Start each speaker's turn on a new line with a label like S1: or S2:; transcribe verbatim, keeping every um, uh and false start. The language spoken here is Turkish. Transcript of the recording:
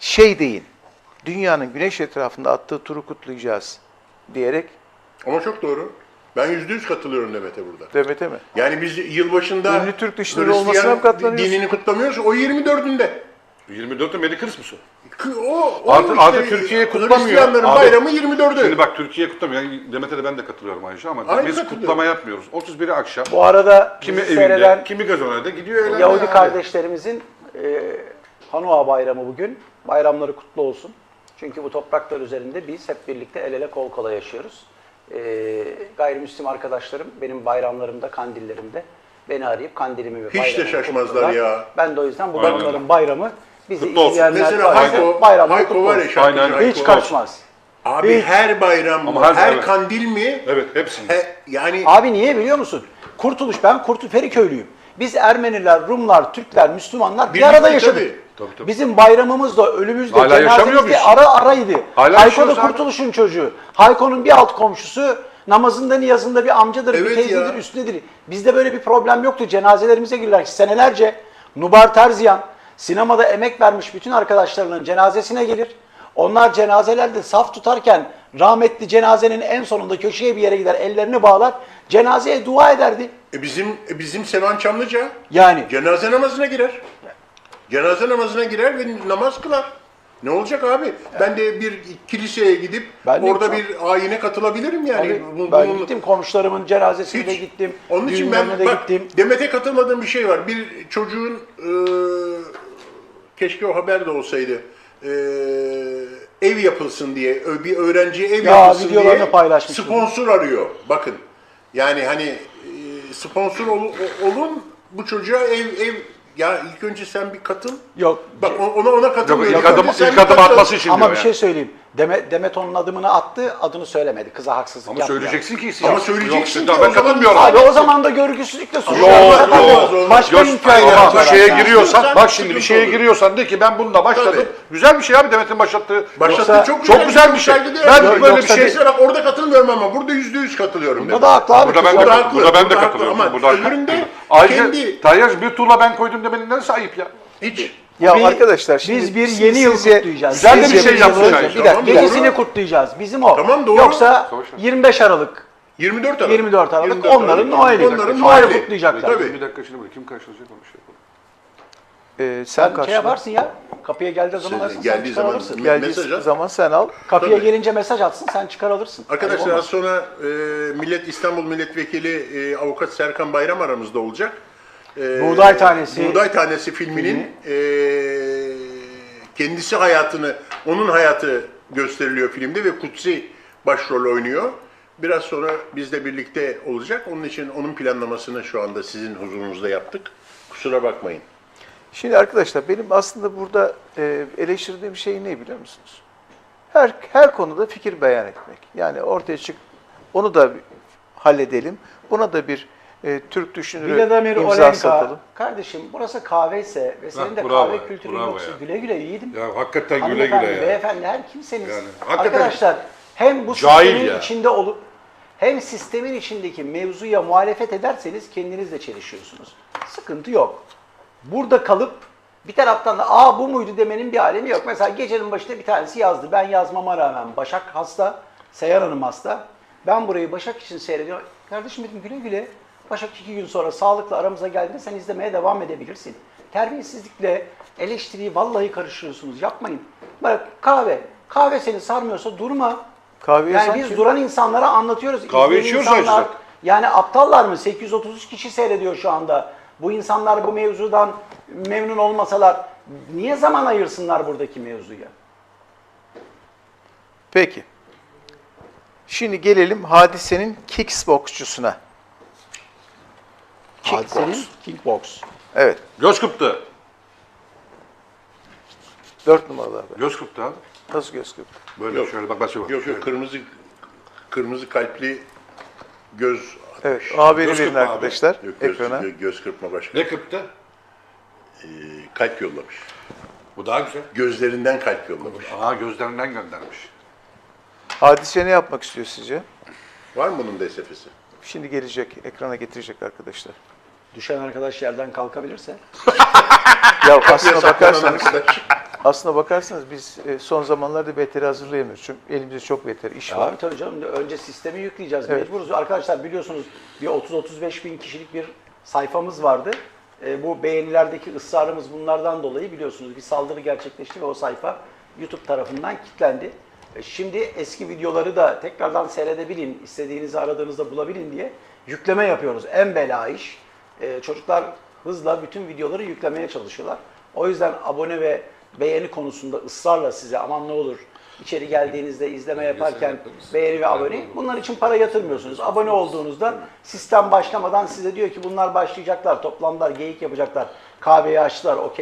S1: şey deyin, dünyanın güneş etrafında attığı turu kutlayacağız diyerek.
S2: Ama çok doğru. Ben yüzde yüz katılıyorum Demet'e burada.
S1: Demet'e mi?
S2: Yani biz yılbaşında
S1: Ünlü Türk dişleri olmasına mı katlanıyoruz?
S2: dinini kutlamıyoruz. O yirmi dördünde.
S3: yirmi dörtte Merry Christmas o.
S2: O, o
S3: Artı,
S2: işte,
S3: artı Türkiye kutlamıyor.
S2: Hristiyanların
S3: Abi,
S2: bayramı yirmi dördü.
S3: Şimdi bak Türkiye kutlamıyor. Yani Demet'e de ben de katılıyorum Ayşe ama
S2: Aynı
S3: biz
S2: katılıyorum.
S3: kutlama yapmıyoruz. otuz biri akşam.
S4: Bu arada
S3: Kimi
S4: bizi
S3: evinde,
S4: seyreden
S3: kimi gazonede gidiyor eğlenmeye.
S4: Yahudi
S3: abi.
S4: kardeşlerimizin e, Hanua bayramı bugün. Bayramları kutlu olsun. Çünkü bu topraklar üzerinde biz hep birlikte el ele kol kola yaşıyoruz. E, gayrimüslim arkadaşlarım benim bayramlarımda, kandillerimde beni arayıp kandilimi ve
S2: Hiç de
S4: bayramımı
S2: şaşmazlar
S4: kutluyorlar.
S2: ya.
S4: Ben de o yüzden bu
S3: Aynen
S4: onların
S3: öyle.
S4: bayramı bizi
S3: Kutlu olsun.
S4: izleyenler
S2: Mesela
S4: varsa
S2: Hayko,
S4: bayramları
S2: Hayko
S4: kutlu
S2: var ya
S4: olsun.
S2: şarkıcı
S3: Aynen.
S2: Hayko.
S4: Hiç kaçmaz.
S2: Abi
S4: Hiç.
S2: her bayram
S3: Ama
S2: mı,
S3: her-
S2: her
S3: evet.
S2: kandil mi?
S3: Evet hepsini.
S2: He, yani
S4: Abi niye biliyor musun? Kurtuluş, ben Kurtul Feriköylüyüm. Biz Ermeniler, Rumlar, Türkler, Müslümanlar bir
S2: Birlikte
S4: arada yaşadık.
S2: tabii.
S3: Tabii, tabii.
S4: Bizim bayramımız da, ölümümüz de,
S3: Hala yaşamıyor
S4: cenazemiz de
S3: muyuz?
S4: ara araydı.
S3: Hala
S4: Hayko
S3: yaşıyoruz
S4: da
S3: abi.
S4: Kurtuluş'un çocuğu. Hayko'nun bir alt komşusu, namazında niyazında bir amcadır,
S2: Evet
S4: bir teyzedir,
S2: ya.
S4: üstünedir. Bizde böyle bir problem yoktu. Cenazelerimize girdiler. Senelerce Nubar Terziyan, sinemada emek vermiş bütün arkadaşlarının cenazesine gelir. Onlar cenazelerde saf tutarken rahmetli cenazenin en sonunda köşeye bir yere gider, ellerini bağlar, cenazeye dua ederdi.
S2: e, bizim e, bizim Sevan Çamlıca
S4: Yani
S2: cenaze namazına girer. Cenaze namazına girer ve namaz kılar. Ne olacak abi? Ben de bir kiliseye gidip
S4: Ben de
S2: orada
S4: çok-
S2: bir ayine katılabilirim yani.
S4: Tabii,
S2: Bu-
S4: ben
S2: bunun-
S4: gittim komşularımın cenazesine de
S2: Hiç.
S4: gittim.
S2: Onun için ben
S4: düğünlerine de
S2: bak,
S4: gittim.
S2: Demet'e katılmadığım bir şey var. Bir çocuğun e, keşke o haber de olsaydı. E, ev yapılsın diye, ö- bir öğrenciye ev
S4: Ya,
S2: yapılsın
S4: videolarını
S2: diye
S4: paylaşmıştım.
S2: sponsor arıyor. Bakın. Yani hani e, sponsor ol- o- olun bu çocuğa ev ev ya ilk önce sen bir katıl.
S4: Yok.
S2: Bak o- ona ona
S3: Yok,
S2: katılmıyorum.
S3: ilk adım,
S2: Önce sen
S3: ilk
S2: bir
S3: adım
S2: katıl.
S3: atması için
S4: Ama
S3: diyor
S4: bir
S3: yani.
S4: şey söyleyeyim. Deme, Demet onun adımını attı, adını söylemedi. Kıza haksızlık
S3: Ama
S4: yaptı.
S3: söyleyeceksin ki.
S2: Ama
S3: Yok,
S2: söyleyeceksin
S3: yok,
S2: ki
S3: ben
S2: o zaman-
S3: katılmıyorum.
S4: Abi o zaman da görgüsüzlükle suçlu.
S3: Yok,
S2: Olmaz,
S3: yok.
S2: olmaz.
S4: Başka
S3: Yok,
S4: hikayeler
S3: ama
S4: var.
S3: bir şeye
S4: Yani.
S3: giriyorsan,
S2: Sen
S3: bak şimdi bir
S2: sıkıntı
S3: şeye
S2: olur.
S3: giriyorsan de ki ben bununla başladım.
S2: Tabii.
S3: Güzel bir şey abi Demet'in başlattığı.
S2: Başlattı
S4: Yoksa-
S2: çok,
S3: çok güzel bir şey.
S2: saygıdeğer
S3: Ben
S2: bir şey.
S3: böyle bir
S2: Yoksa
S3: şey-
S2: mesela bak orada katılmıyorum ama burada yüzde yüz katılıyorum.
S4: Bunda da haklı abi.
S3: Burada ben de,
S2: Burada
S3: kat-
S2: haklı,
S3: burada ben de
S2: burada haklı
S3: katılıyorum.
S2: ama
S3: Burada haklı.
S2: öbüründe
S3: Ayrıca
S2: kendi-
S3: Tayyar bir tuğla ben koydum demenin neresi ayıp ya?
S2: hiç.
S1: Ya
S4: Bir-
S1: arkadaşlar şimdi
S4: biz bir
S1: siz-
S4: yeni yıl
S1: sizce-
S4: kutlayacağız.
S3: Güzel de bir
S4: Sizce
S3: şey
S4: bir
S3: yapsın
S4: yıl-
S3: yani.
S4: Bir dakika,
S2: Tamam,
S4: gecesini
S2: doğru.
S4: kutlayacağız. Bizim o.
S2: Tamam, doğru.
S4: Yoksa
S3: Savaş ver.
S4: yirmi beş Aralık,
S2: yirmi dört Aralık.
S4: yirmi dört Aralık
S2: yirmi dört
S4: onların
S2: Aralık.
S4: Noel'i.
S2: Onların
S4: Noel'i
S2: Noel'i.
S4: kutlayacaklar.
S2: Tabii.
S3: Bir dakika şimdi buraya kim karşılayacak onu şey yapalım.
S1: Ee, sen
S4: Sen şey
S1: karşıla.
S4: yaparsın ya. Kapıya geldiği zaman
S2: Şey,
S4: alırsın, sen
S2: geldiği
S4: çıkar
S2: zaman-
S4: alırsın.
S2: Gel-
S1: Geldiği
S2: mesaj at.
S1: zaman sen al.
S4: Kapıya
S2: Tabii.
S4: gelince mesaj atsın, sen çıkar alırsın.
S2: Arkadaşlar
S4: Ayıp
S2: az sonra e, Millet İstanbul Milletvekili e, Avukat Serkan Bayram aramızda olacak. E,
S4: Buğday Tanesi.
S2: Buğday Tanesi filminin e, kendisi hayatını, onun hayatı gösteriliyor filmde ve Kutsi başrol oynuyor. Biraz sonra bizle birlikte olacak. Onun için onun planlamasını şu anda sizin huzurunuzda yaptık. Kusura bakmayın.
S1: Şimdi arkadaşlar benim aslında burada e, eleştirdiğim şey ne biliyor musunuz? Her her konuda fikir beyan etmek. Yani ortaya çık, onu da bir halledelim. Buna da bir e, Türk düşünürü
S4: Vladimir
S1: imza
S4: Olenka,
S1: satalım.
S4: kardeşim burası kahveyse ve senin de
S3: bravo
S4: kahve
S3: ya,
S4: kültürün
S3: bravo
S4: yoksa
S3: ya.
S4: güle güle yiğidim.
S3: Ya hakikaten güle
S4: Hanımefendi,
S3: güle ya.
S4: beyefendi her kimseniz.
S3: Yani hakikaten-
S4: Arkadaşlar hem bu
S3: Cahil
S4: sistemin
S3: ya.
S4: içinde olup hem sistemin içindeki mevzuya muhalefet ederseniz kendinizle çelişiyorsunuz. Sıkıntı yok. Burada kalıp bir taraftan da aa bu muydu demenin bir alemi yok. Mesela gecenin başında bir tanesi yazdı. Ben yazmama rağmen Başak hasta, Seyhan Hanım hasta. Ben burayı Başak için seyrediyorum. Kardeşim dedim güle güle. Başak iki gün sonra sağlıkla aramıza geldiğinde sen izlemeye devam edebilirsin. Terbiyesizlikle eleştiriyi vallahi karıştırıyorsunuz. Yapmayın. Bak kahve. Kahve seni sarmıyorsa durma.
S1: Kahveye
S4: Yani
S1: sanki-
S4: biz duran insanlara anlatıyoruz.
S3: Kahve
S4: İzleyen
S3: içiyoruz
S4: insanlar,
S3: ayrıca.
S4: yani aptallar mı? sekiz yüz otuz üç kişi seyrediyor şu anda. Bu insanlar bu mevzudan memnun olmasalar niye zaman ayırsınlar buradaki mevzuya?
S1: Peki. Şimdi gelelim Hadise'nin kickboksçusuna. Kickbox.
S4: Hadisenin kickbox.
S1: Evet.
S3: Göz kırptı.
S1: Dört numaralı abi.
S3: Göz kırptı abi.
S1: Nasıl göz kırptı?
S3: Böyle
S2: Yok.
S3: şöyle bak bak şöyle.
S2: Yok yok kırmızı kırmızı kalpli göz atmış.
S1: Evet. O haberi
S3: Göz
S1: verin
S3: kırpma abi.
S1: arkadaşlar
S2: Yok, göz,
S1: ekrana.
S2: gö- göz kırpma başka.
S3: Ne kırptı?
S2: Ee, kalp yollamış.
S3: Bu daha güzel.
S2: Gözlerinden kalp yollamış.
S3: Aa gözlerinden göndermiş.
S1: Hadise ne yapmak istiyor sizce?
S2: Var mı bunun D S F'si?
S1: Şimdi gelecek, ekrana getirecek arkadaşlar.
S4: Düşen arkadaş yerden kalkabilirse.
S1: Ya
S2: Kapıya
S1: aslına
S2: saklanan
S1: bakarsanız,
S2: arkadaş.
S1: aslına bakarsanız biz e, son zamanlarda veteri hazırlayamıyoruz. Çünkü elimizde çok veter iş var.
S4: Abi tabii canım, önce sistemi yükleyeceğiz.
S1: Evet.
S4: Mecburuz. Arkadaşlar biliyorsunuz bir otuz otuz beş bin kişilik bir sayfamız vardı. E, bu beğenilerdeki ısrarımız bunlardan dolayı biliyorsunuz bir saldırı gerçekleşti ve o sayfa YouTube tarafından kilitlendi. E, şimdi eski videoları da tekrardan seyredebilin, istediğinizi aradığınızda bulabilin diye yükleme yapıyoruz. En bela iş. E, çocuklar hızla bütün videoları yüklemeye çalışıyorlar. O yüzden abone ve beğeni konusunda ısrarla size aman ne olur içeri geldiğinizde izleme yaparken beğeni ve abone. Bunlar için para yatırmıyorsunuz. Abone olduğunuzda sistem başlamadan size diyor ki bunlar başlayacaklar, toplandılar, geyik yapacaklar, kahveyi açtılar, okey.